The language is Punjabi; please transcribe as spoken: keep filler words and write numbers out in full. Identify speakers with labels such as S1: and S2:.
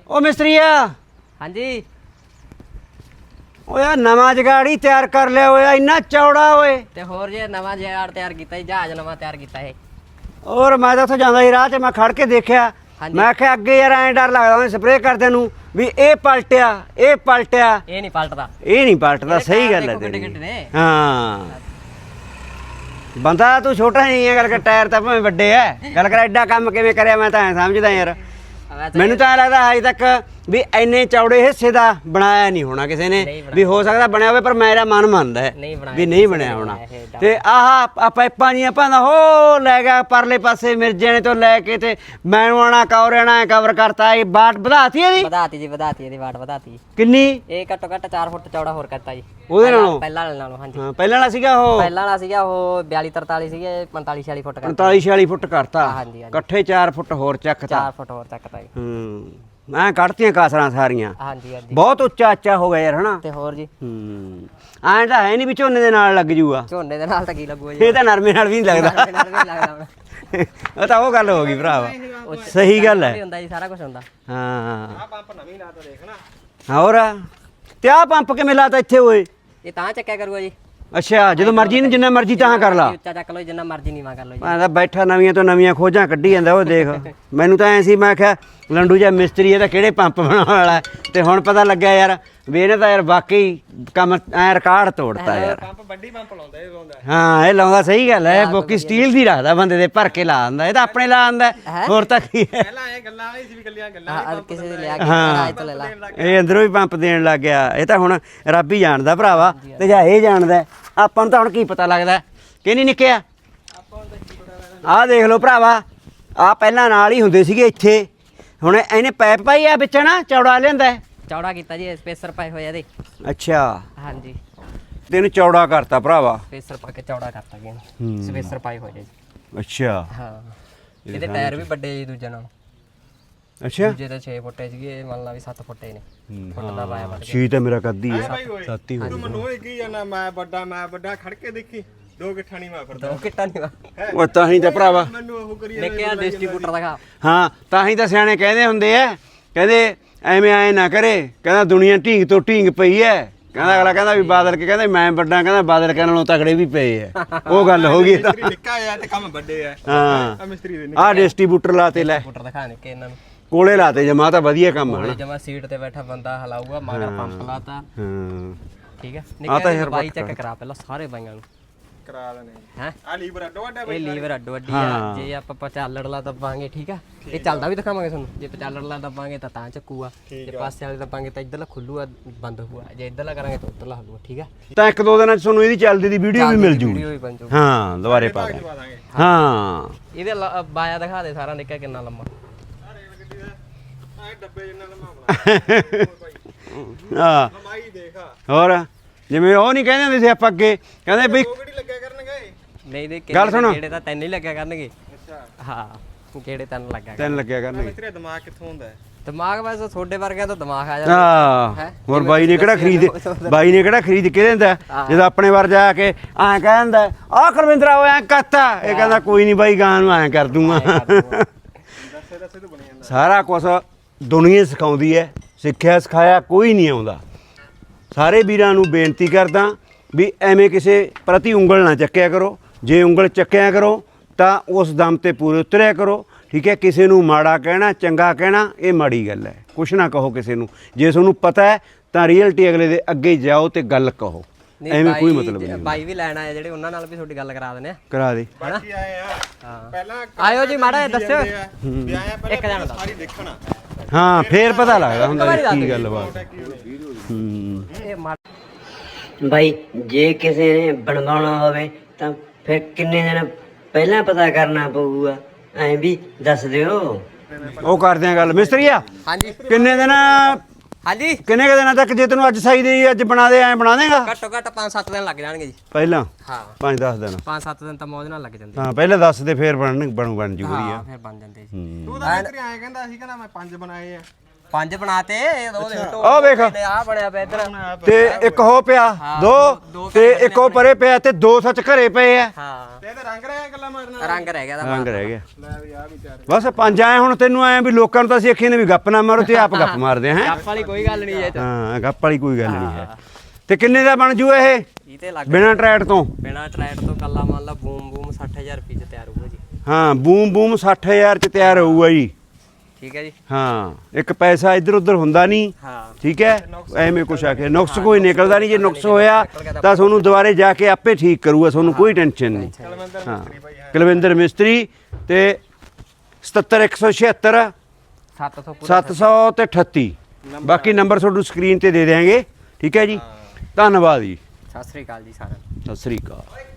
S1: ਉਹ ਮਿਸਤਰੀਆ
S2: ਹਾਂਜੀ
S1: ਓਏ ਨਵਾਂ ਜਗਾੜੀ ਤਿਆਰ ਕਰ ਲਿਆ ਓਏ ਇੰਨਾ ਚੌੜਾ ਓਏ
S2: ਤੇ ਹੋਰ ਜੇ ਨਵਾਂ ਜਹਾਜ਼ ਤਿਆਰ ਕੀਤਾ ਜੀ ਜਹਾਜ਼ ਨਵਾਂ ਤਿਆਰ ਕੀਤਾ ਇਹ
S1: ਔਰ ਮੈਂ ਤਾਂ ਉੱਥੇ ਜਾਂਦਾ ਸੀ ਰਾਹ 'ਚ ਮੈਂ ਖੜ ਕੇ ਦੇਖਿਆ ਮੈਂ ਆਖਿਆ ਅੱਗੇ ਯਾਰ ਐਂ ਡਰ ਲੱਗਦਾ ਉਹਨੇ ਸਪਰੇਅ ਕਰਦੇ ਨੂੰ ਵੀ ਇਹ ਪਲਟਿਆ ਇਹ ਪਲਟਿਆ
S2: ਇਹ ਨਹੀਂ ਪਲਟਦਾ
S1: ਇਹ ਨਹੀਂ ਪਲਟਦਾ ਸਹੀ ਗੱਲ ਹੈ ਤੇਰੀ ਹਾਂ ਬੰਦਾ ਤੂੰ ਛੋਟਾ ਨਹੀਂ ਹੈ ਗੱਲ ਕਰ ਟਾਇਰ ਤਾਂ ਭਾਵੇਂ ਵੱਡੇ ਐ ਗੱਲ ਕਰ ਐਡਾ ਕੰਮ ਕਿਵੇਂ ਕਰਿਆ ਮੈਂ ਤਾਂ ਐਂ ਸਮਝਦਾ ਯਾਰ ਮੈਨੂੰ ਤਾਂ ਐਂ ਲੱਗਦਾ ਅਜੇ ਤੱਕ ਵੀ ਇੰਨੇ ਚੌੜੇ ਹਿੱਸੇ ਦਾ ਬਣਾਇਆ ਨਹੀਂ ਹੋਣਾ ਕਿਸੇ ਨੇ ਵੀ ਹੋ ਸਕਦਾ ਬਣਿਆ ਹੋਵੇ ਪਰ ਮੇਰਾ ਮਨ ਮੰਨਦਾ ਹੈ ਵੀ ਨਹੀਂ ਬਣਿਆ ਹੋਣਾ ਤੇ ਆਹ ਆ ਪਾਈਪਾਂ ਜੀਆਂ ਪਾਉਂਦਾ ਹੋ ਲੈ ਗਿਆ ਪਰਲੇ ਪਾਸੇ ਮਿਰਜੇ ਨੇ ਤੋਂ ਲੈ ਕੇ ਤੇ ਮੈਨੂੰ ਆਣਾ ਕਵਰਣਾ ਕਵਰ ਕਰਤਾ ਇਹ ਬਾਟ ਵਧਾਤੀ ਇਹਦੀ
S2: ਵਧਾਤੀ ਜੀ ਵਧਾਤੀ ਇਹਦੀ ਬਾਟ ਵਧਾਤੀ
S1: ਕਿੰਨੀ
S2: ਇਹ ਘੱਟੋ ਘੱਟ ਚਾਰ ਫੁੱਟ ਚੌੜਾ ਹੋਰ ਕਰਤਾ ਜੀ
S1: ਉਹਦੇ ਨਾਲੋਂ
S2: ਪਹਿਲਾਂ ਵਾਲੇ ਨਾਲੋਂ ਹਾਂਜੀ
S1: ਹਾਂ ਪਹਿਲਾਂ ਵਾਲਾ ਸੀਗਾ ਉਹ
S2: ਪਹਿਲਾਂ ਵਾਲਾ ਸੀਗਾ ਉਹ ਬਿਆਲੀ ਤਰਤਾਲੀ ਸੀਗੇ ਪੰਤਾਲੀ ਛਿਆਲੀ ਫੁੱਟ ਕਰਤਾ
S1: ਪੰਤਾਲੀ ਛਿਆਲੀ ਫੁੱਟ ਕਰਤਾ
S2: ਹਾਂਜੀ ਹਾਂਜੀ
S1: ਇਕੱਠੇ ਚਾਰ ਫੁੱਟ ਹੋਰ ਚੱਕਤਾ
S2: ਚਾਰ ਫੁੱਟ ਹੋਰ ਚੱਕਤਾ ਜੀ
S1: ਹੂੰ ਮੈਂ ਕੱਢਤੀਆਂ ਕਾਸਰਾਂ ਸਾਰੀਆਂ
S2: ਹਾਂਜੀ ਹਾਂਜੀ
S1: ਬਹੁਤ ਉੱਚਾ ਉੱਚਾ ਹੋ ਗਿਆ ਯਾਰ ਹਨਾ
S2: ਤੇ ਹੋਰ ਜੀ
S1: ਹੂੰ ਐਂ ਤਾਂ ਹੈ ਨਹੀਂ ਵੀ ਝੋਨੇ ਦੇ ਨਾਲ ਲੱਗ ਜੂਗਾ
S2: ਝੋਨੇ ਦੇ ਨਾਲ ਤਾਂ ਕੀ ਲੱਗੂਗਾ ਜੀ
S1: ਇਹ ਤਾਂ ਨਰਮੇ ਨਾਲ ਵੀ ਨਹੀਂ ਲੱਗਦਾ
S2: ਨਾਲ ਵੀ ਲੱਗਦਾ
S1: ਉਹ ਤਾਂ ਉਹ ਗੱਲ ਹੋ ਗਈ ਭਰਾਵਾ ਸਹੀ ਗੱਲ ਹੈ
S2: ਹੁੰਦਾ ਜੀ ਸਾਰਾ ਕੁਝ ਹੁੰਦਾ
S1: ਹਾਂ ਆ ਪੰਪ ਨਵੀਂ ਲਾਤਾ ਦੇਖਣਾ ਹੋਰ ਤੇ ਆ ਪੰਪ ਕਿਵੇਂ ਲਾਤਾ ਇੱਥੇ ਓਏ
S2: ਇਹ ਤਾਂ ਚੱਕਿਆ ਕਰੂਗਾ ਜੀ
S1: ਅੱਛਾ ਜਦੋਂ ਮਰਜ਼ੀ ਨੂੰ ਜਿੰਨਾ ਮਰਜ਼ੀ ਤਾਂ ਕਰ ਲਾ
S2: ਉੱਚਾ ਚੱਕ ਲਓ ਜਿੰਨਾ ਮਰਜ਼ੀ ਨੀਵਾ ਕਰ ਲਓ ਜੀ
S1: ਮੈਂ ਤਾਂ ਬੈਠਾ ਨਵੀਆਂ ਤੋਂ ਨਵੀਆਂ ਖੋਜਾਂ ਕੱਢੀ ਜਾਂਦਾ ਉਹ ਦੇਖ ਮੈਨੂੰ ਤਾਂ ਐ ਸੀ ਮੈਂ ਕਿਹਾ ਲੰਡੂ ਜਿਹਾ ਮਿਸਤਰੀ ਇਹਦਾ ਕਿਹੜੇ ਪੰਪ ਬਣਾਉਣ ਵਾਲਾ ਤੇ ਹੁਣ ਪਤਾ ਲੱਗਿਆ ਯਾਰ ਵੀ ਇਹਨੇ ਤਾਂ ਯਾਰ ਵਾਕਈ ਕੰਮ ਐ ਰਿਕਾਰਡ ਤੋੜਤਾ ਯਾਰ
S3: ਪੰਪ ਵੱਡੀ ਪੰਪ ਲਾਉਂਦਾ ਇਹ ਲਾਉਂਦਾ
S1: ਹਾਂ ਇਹ ਲਾਉਂਦਾ ਸਹੀ ਗੱਲ ਹੈ ਬੋਕੀ ਸਟੀਲ ਦੀ ਰੱਖਦਾ ਬੰਦੇ ਦੇ ਭਰ ਕੇ ਲਾ ਦਿੰਦਾ ਇਹ ਤਾਂ ਆਪਣੇ ਲਾ ਦਿੰਦਾ ਹੋਰ ਤਾਂ ਕੀ ਹੈ
S3: ਪਹਿਲਾਂ ਇਹ ਗੱਲਾਂ ਵਾਲੀ ਸੀ ਵੀ ਗੱਲਾਂ ਗੱਲਾਂ
S2: ਹਾਂ ਕਿਸੇ ਦੇ ਲਿਆ ਕੇ ਰਾਜ ਤੋਂ ਲੈ ਲਾ
S1: ਇਹ ਅੰਦਰੋਂ ਵੀ ਪੰਪ ਦੇਣ ਲੱਗ ਗਿਆ ਇਹ ਤਾਂ ਹੁਣ ਰੱਬ ਹੀ ਜਾਣਦਾ ਭਰਾਵਾ ਤੇ ਜਾਂ ਇਹ ਜਾਣਦਾ ਆਪਾਂ ਨੂੰ ਤਾਂ ਹੁਣ ਕੀ ਪਤਾ ਲੱਗਦਾ ਕਿ ਨਹੀਂ ਨਿੱਕਿਆ ਆਹ ਦੇਖ ਲਓ ਭਰਾਵਾ ਆਹ ਪਹਿਲਾਂ ਨਾਲ ਹੀ ਹੁੰਦੇ ਸੀਗੇ ਇੱਥੇ ਹੁਣ ਇਹਨੇ ਪਾਈਪ ਪਾਈ ਆ ਵਿੱਚ ਨਾ ਚੌੜਾ ਲਿਆਂਦਾ
S2: ਚੌੜਾ ਕੀਤਾ ਜੀ ਸਪੇਸਰ ਪਾਏ ਹੋਏ ਇਹਦੇ
S1: ਅੱਛਾ
S2: ਹਾਂਜੀ
S1: ਤੈਨੂੰ ਚੌੜਾ ਕਰਤਾ ਭਰਾਵਾ
S2: ਸਪੇਸਰ ਪਾ ਕੇ ਚੌੜਾ ਕਰਤਾ ਗਿਆ ਸਪੇਸਰ ਪਾਏ ਹੋਏ ਜੀ
S1: ਅੱਛਾ
S2: ਹਾਂ ਇਹਦੇ ਟਾਇਰ ਵੀ ਵੱਡੇ ਜੀ ਦੂਜੇ ਨਾਲ
S1: ਅੱਛਾ
S2: ਦੂਜੇ ਤਾਂ ਛੇ ਫੁੱਟੇ ਸੀਗੇ ਮੰਨ ਲਾ ਵੀ ਸੱਤ ਫੁੱਟੇ ਨੇ ਫੁੱਟ ਦਾ ਪਾਇਆ ਵੱਟ
S1: ਛੀ ਤਾਂ ਮੇਰਾ ਕੱਦੀ ਹੈ ਸੱਤ ਹੀ
S3: ਤੂੰ ਮੈਨੂੰ ਇਹ ਕੀ ਜਾਨਾ ਮੈਂ ਵੱਡਾ ਮੈਂ ਵੱਡਾ ਖੜ ਕੇ ਦੇਖੀ ਦੋ ਗਿੱਠਾਂ ਨਹੀਂ ਮੈਂ ਫਿਰਦਾ
S2: ਦੋ ਕਿੱਟਾ ਨਹੀਂ ਵਾ
S1: ਉਹ ਤਾਂ ਹੀ ਤਾਂ ਭਰਾਵਾ
S3: ਮੈਨੂੰ ਉਹ ਕਰੀ
S2: ਨਿੱਕਿਆ ਡਿਸਟ੍ਰੀਬਿਊਟਰ ਦਿਖਾ
S1: ਹਾਂ ਤਾਂ ਹੀ ਤਾਂ ਸਿਆਣੇ ਕਹਿੰਦੇ ਹੁੰਦੇ ਆ ਕਹਿੰਦੇ ਐਵੇਂ ਐ ਨਾ ਕਰੇ ਕਹਿੰਦਾ ਦੁਨੀਆ ਢੀਂਗ ਤੋਂ ਢੀਂਗ ਪਈ ਐ ਕਹਿੰਦਾ ਅਗਲਾ ਕਹਿੰਦਾ ਵੀ ਬਾਦਲ ਕੇ ਕਹਿੰਦਾ ਮੈਂ ਵੱਡਾ ਕਹਿੰਦਾ ਬਾਦਲ ਕੇ ਨਾਲੋਂ ਤਕੜੇ ਵੀ ਪਏ ਐ ਉਹ ਗੱਲ ਹੋ ਗਈ ਤਾਂ
S3: ਮਿਸਤਰੀ ਨਿੱਕਾ ਆ ਤੇ ਕੰਮ ਵੱਡੇ ਆ
S1: ਹਾਂ
S3: ਆ ਮਿਸਤਰੀ ਦੇ
S1: ਆਹ ਡਿਸਟ੍ਰੀਬਿਊਟਰ ਲਾਤੇ ਲੈ
S2: ਡਿਸਟ੍ਰੀਬਿਊਟਰ ਦਿਖਾ ਨਿੱਕੇ ਇਹਨਾਂ ਨੂੰ
S1: ਕੋਲੇ ਲਾਤੇ ਜਮਾ ਤਾਂ ਵਧੀਆ ਕੰਮ ਹਨਾ
S2: ਜਮਾ ਸੀਟ ਤੇ ਬੈਠਾ ਬੰਦਾ ਹਲਾਊਗਾ ਮਗਰ ਪੰਪ ਲਾਤਾ
S1: ਹਾਂ
S2: ਠੀਕ ਹੈ ਨਿੱਕੇ ਬਾਈ ਚੈੱਕ ਕਰਾ ਪਹਿਲਾਂ ਸਾਰੇ ਬਾਈਆਂ ਨੂੰ
S3: ਕਰਾ ਦੇਣੇ
S2: ਹੈ
S3: ਆ ਲੀਵਰ ਅੱਡੋ ਅੱਡਾ
S2: ਇਹ ਲੀਵਰ ਅੱਡੋ ਅੱਡੀ ਆ ਜੇ ਆਪਾਂ ਪਚਾਲੜ ਲਾ ਦੱਬਾਂਗੇ ਠੀਕ ਆ ਇਹ ਚੱਲਦਾ ਵੀ ਦਿਖਾਵਾਂਗੇ ਤੁਹਾਨੂੰ ਜੇ ਪਚਾਲੜ ਲਾ ਦੱਬਾਂਗੇ ਤਾਂ ਤਾਂ ਚੱਕੂਗਾ ਜੇ ਪਾਸੇ ਵਾਲੇ ਦੱਬਾਂਗੇ ਤਾਂ ਇੱਧਰਲਾ ਖੁੱਲੂਗਾ ਬੰਦ ਹੋਊਗਾ ਜੇ ਇੱਧਰਲਾ ਕਰਾਂਗੇ ਤਾਂ ਉੱਧਰਲਾ ਹਲੂਗਾ ਠੀਕ ਆ
S1: ਤਾਂ ਇੱਕ ਦੋ ਦਿਨਾਂ ਚ ਤੁਹਾਨੂੰ ਇਹਦੀ ਚੱਲਦੀ ਦੀ ਵੀਡੀਓ ਵੀ ਮਿਲ ਜੂਗੀ
S2: ਵੀਡੀਓ ਵੀ ਬਣ ਜਾਊਗੀ
S1: ਹਾਂ ਦੁਬਾਰੇ ਪਾ ਦੇ ਹਾਂ
S2: ਇਹਦੇ ਲ- ਬਾਇਆ ਦਿਖਾ ਦੇ ਸਾਰਾ ਨਿੱਕਾ ਕਿੰਨਾ ਲੰਮਾ
S3: ਆ ਡੱਬੇ ਜਿੰਨਾ ਲੰਮਾ ਬਣਾ
S1: ਹਾਂ
S3: ਲੰਮਾਈ ਦੇਖ
S1: ਹੋਰ ਜਿਵੇਂ ਉਹ ਨਹੀਂ ਕਹਿੰਦੇ ਹੁੰਦੇ ਸੀ ਆਪਾਂ ਅੱਗੇ ਕਹਿੰਦੇ ਬਈ
S3: ਉਹ ਕਿਹੜੀ ਲੱਗਿਆ ਕਰਨਗੇ
S2: ਨਹੀਂ ਦੇ
S1: ਗੱਲ ਸੁਣੋ।
S2: ਕਿਹੜੇ ਤਾਂ ਤੈਨੂੰ ਹੀ ਲੱਗਿਆ ਕਰਨਗੇ
S3: ਅੱਛਾ
S2: ਹਾਂ ਕਿਹੜੇ ਤੈਨੂੰ ਲੱਗਿਆ
S1: ਤੈਨੂੰ ਲੱਗਿਆ ਕਰਨਗੇ
S3: ਮਿਸਤਰੀ ਦਾ ਦਿਮਾਗ ਕਿੱਥੋਂ ਹੁੰਦਾ ਹੈ
S2: ਦਿਮਾਗ ਵੈਸੇ ਤੁਹਾਡੇ ਵਰਗਿਆਂ ਤੋਂ ਦਿਮਾਗ ਆ ਜਾਂਦਾ
S1: ਹਾਂ ਹੋਰ ਬਾਈ ਨੇ ਕਿਹੜਾ ਖਰੀਦ ਬਾਈ ਨੇ ਕਿਹੜਾ ਖਰੀਦ ਕੇ ਦਿੰਦਾ ਜਦੋਂ ਆਪਣੇ ਵਾਰ ਜਾ ਕੇ ਐਂ ਕਹਿ ਦਿੰਦਾ ਆਹ ਕੁਲਵਿੰਦਰਾ ਉਹ ਐਂ ਕਰਤਾ ਇਹ ਕਹਿੰਦਾ ਕੋਈ ਨਹੀਂ ਬਾਈ ਗਾਂ ਨੂੰ ਐਂ ਕਰ ਦੂੰਗਾ
S3: ਦੱਸੇ ਦੱਸੇ ਤੋਂ ਬਣੀ ਜਾਂਦਾ
S1: ਸਾਰਾ ਕੁਝ ਦੁਨੀਆ ਸਿਖਾਉਂਦੀ ਹੈ ਸਿੱਖਿਆ ਸਿਖਾਇਆ ਕੋਈ ਨਹੀਂ ਆਉਂਦਾ ਸਾਰੇ ਵੀਰਾਂ ਨੂੰ ਬੇਨਤੀ ਕਰਦਾ ਵੀ ਐਵੇਂ ਕਿਸੇ ਪ੍ਰਤੀ ਉਂਗਲ ਨਾ ਚੱਕਿਆ ਕਰੋ ਜੇ ਉਂਗਲ ਚੱਕਿਆ ਕਰੋ ਤਾਂ ਉਸ ਦਮ ਤੇ ਪੂਰੇ ਉਤਰਿਆ ਕਰੋ ਠੀਕ ਹੈ ਕਿਸੇ ਨੂੰ ਮਾੜਾ ਕਹਿਣਾ ਚੰਗਾ ਕਹਿਣਾ ਇਹ ਮਾੜੀ ਗੱਲ ਹੈ ਕੁਛ ਨਾ ਕਹੋ ਕਿਸੇ ਨੂੰ ਜੇ ਤੁਹਾਨੂੰ ਪਤਾ ਹੈ ਤਾਂ ਰੀਅਲਟੀ ਅਗਲੇ ਦੇ ਅੱਗੇ ਜਾਓ ਤੇ ਗੱਲ ਕਹੋ ਐਵੇਂ ਕੋਈ ਮਤਲਬ ਨਹੀਂ
S2: ਬਾਈ ਵੀ ਲੈਣ ਆਏ ਜਿਹੜੇ ਉਹਨਾਂ ਨਾਲ ਵੀ ਤੁਹਾਡੀ ਗੱਲ ਕਰਾ ਦਿੰਦੇ ਆ
S1: ਕਰਾ ਦੇ
S3: ਬਾਕੀ ਆਏ ਆ
S2: ਹਾਂ
S3: ਪਹਿਲਾਂ
S2: ਆਇਓ ਜੀ ਮਾੜਾ ਜਿਹਾ ਦੱਸਿਓ
S3: ਵੀ ਆਇਆ
S2: ਇੱਕ
S3: ਪਹਿਲਾਂ
S2: ਜਣਾ ਦੱਸ
S3: ਸਾਰੀ ਦੇਖਣਾ
S1: ਹਾਂ ਫੇਰ ਪਤਾ ਲੱਗਦਾ ਹੁੰਦਾ ਵੀ ਕੀ ਗੱਲ ਬਾਤ ਹੂੰ
S2: ਇਹ ਮਾ-
S4: ਬਾਈ ਜੇ ਕਿਸੇ ਨੇ ਬਣਵਾਉਣਾ ਹੋਵੇ ਤਾਂ ਫਿਰ ਕਿੰਨੇ ਦਿਨ ਪਹਿਲਾਂ ਪਤਾ ਕਰਨਾ ਪਊਗਾ ਐਂ ਵੀ ਦੱਸ ਦਿਓ
S1: ਉਹ ਕਰਦੇ ਆ ਗੱਲ ਮਿਸਤਰੀਆ
S2: ਹਾਂਜੀ
S1: ਕਿੰਨੇ ਦਿਨ
S2: ਹਾਂਜੀ
S1: ਕਿੰਨੇ ਕੁ ਦਿਨਾਂ ਤੱਕ ਜੇ ਤੈਨੂੰ ਅੱਜ ਸਾਈ ਦੇ ਅੱਜ ਬਣਾ ਦੇ ਐ ਬਣਾ ਦੇਗਾ
S2: ਘੱਟੋ ਘੱਟ ਪੰਜ ਸੱਤ ਦਿਨ ਲੱਗ ਜਾਣਗੇ ਜੀ
S1: ਪਹਿਲਾਂ
S2: ਹਾਂ
S1: ਪੰਜ ਦਸ ਦਿਨ
S2: ਪੰਜ ਸੱਤ ਦਿਨ ਤਾਂ ਮੌਜ ਨਾਲ ਲੱਗ ਜਾਂਦੇ
S1: ਹਾਂ ਪਹਿਲਾਂ ਦੱਸ ਦੇ ਫੇਰ ਬਣ ਬਣੂ ਬਣ ਜੂ ਵਧੀਆ
S2: ਹਾਂ ਫਿਰ ਬਣ ਜਾਂਦੇ ਜੀ
S3: ਤੂੰ ਤਾਂ ਮਿਸਤਰੀ ਆਏ ਕਹਿੰਦਾ ਸੀ ਕਹਿੰਦਾ ਮੈਂ ਪੰਜ ਬਣਾਏ ਆ
S2: ਪੰਜ ਬਣਾਤੇ ਦੋ ਦੇ
S1: ਆਹ ਵੇਖ
S2: ਆ ਬਣਿਆ ਪਿਆ ਇੱਧਰ
S1: ਤੇ ਇੱਕ ਹੋ ਪਿਆ ਦੋ ਤੇ ਇੱਕ ਉਹ ਪਰੇ ਪਿਆ ਤੇ ਦੋ ਸੱਚ ਘਰੇ ਪਏ ਆ
S2: ਹਾਂ
S3: ਤੇ ਇਹਦਾ ਰੰਗ ਰਹਿ ਗੱਲਾਂ ਮਾਰਨਾ
S2: ਰੰਗ ਰਹਿ ਗਿਆ ਦਾ
S1: ਰੰਗ ਰਹਿ ਗਿਆ
S3: ਲੈ ਵੀ ਆ ਵੀ ਚਾਰ
S1: ਬਸ ਪੰਜ ਆਏ ਹੁਣ ਤੈਨੂੰ ਆਏ ਵੀ ਲੋਕਾਂ ਨੂੰ ਤਾਂ ਅਸੀਂ ਅੱਖੀਂ ਨੇ ਵੀ ਗੱਪ ਨਾ ਮਾਰੋ ਤੇ ਆਪ ਗੱਪ ਮਾਰਦੇ ਹਾਂ
S2: ਗੱਪ ਵਾਲੀ ਕੋਈ ਗੱਲ ਨਹੀਂ ਇਹ ਚ
S1: ਹਾਂ ਗੱਪ ਵਾਲੀ ਕੋਈ ਗੱਲ ਨਹੀਂ ਹੈ ਤੇ ਕਿੰਨੇ ਦਾ ਬਣ ਜੂ ਇਹ
S2: ਇਹ ਤੇ ਲੱਗ
S1: ਬਿਨਾਂ ਟਰੈਟ ਤੋਂ
S2: ਬਿਨਾ ਟਰੈਟ ਤੋਂ ਕੱਲਾ ਮੰਨ ਲਾ ਬੂਮ ਬੂਮ ਸੱਠ ਹਜ਼ਾਰ ਰੁਪਏ ਚ ਤਿਆਰ ਹੋਊਗਾ ਜੀ
S1: ਹਾਂ ਬੂਮ ਬੂਮ ਸੱਠ ਹਜ਼ਾਰ ਚ ਤਿਆਰ ਹੋਊਗਾ ਜੀ
S2: ਠੀਕ ਹੈ ਜੀ
S1: ਹਾਂ ਇੱਕ ਪੈਸਾ ਇੱਧਰ ਉੱਧਰ ਹੁੰਦਾ ਨਹੀਂ
S2: ਹਾਂ
S1: ਠੀਕ ਹੈ ਐਵੇਂ ਕੁਛ ਆ ਕੇ ਨੁਕਸ ਕੋਈ ਨਿਕਲਦਾ ਨਹੀਂ ਜੇ ਨੁਕਸ ਹੋਇਆ ਤਾਂ ਤੁਹਾਨੂੰ ਦੁਬਾਰੇ ਜਾ ਕੇ ਆਪੇ ਠੀਕ ਕਰੂਗਾ ਤੁਹਾਨੂੰ ਕੋਈ ਟੈਨਸ਼ਨ ਨਹੀਂ ਹਾਂ ਕੁਲਵਿੰਦਰ ਮਿਸਤਰੀ ਤੇ ਸਤੱਤਰ ਇੱਕ ਸੌ ਛਿਹੱਤਰ
S2: ਸੱਤ ਸੌ ਪੂਰਾ
S1: ਸੱਤ ਸੌ ਤੇ ਅਠੱਤੀ ਬਾਕੀ ਨੰਬਰ ਤੁਹਾਨੂੰ ਸਕਰੀਨ ਤੇ ਦੇ ਦਿਆਂਗੇ ਠੀਕ ਹੈ ਜੀ ਧੰਨਵਾਦ ਜੀ
S2: ਸਤਿ ਸ੍ਰੀ ਅਕਾਲ ਜੀ ਸਾਰਿਆਂ ਨੂੰ
S1: ਸਤਿ ਸ੍ਰੀ ਅਕਾਲ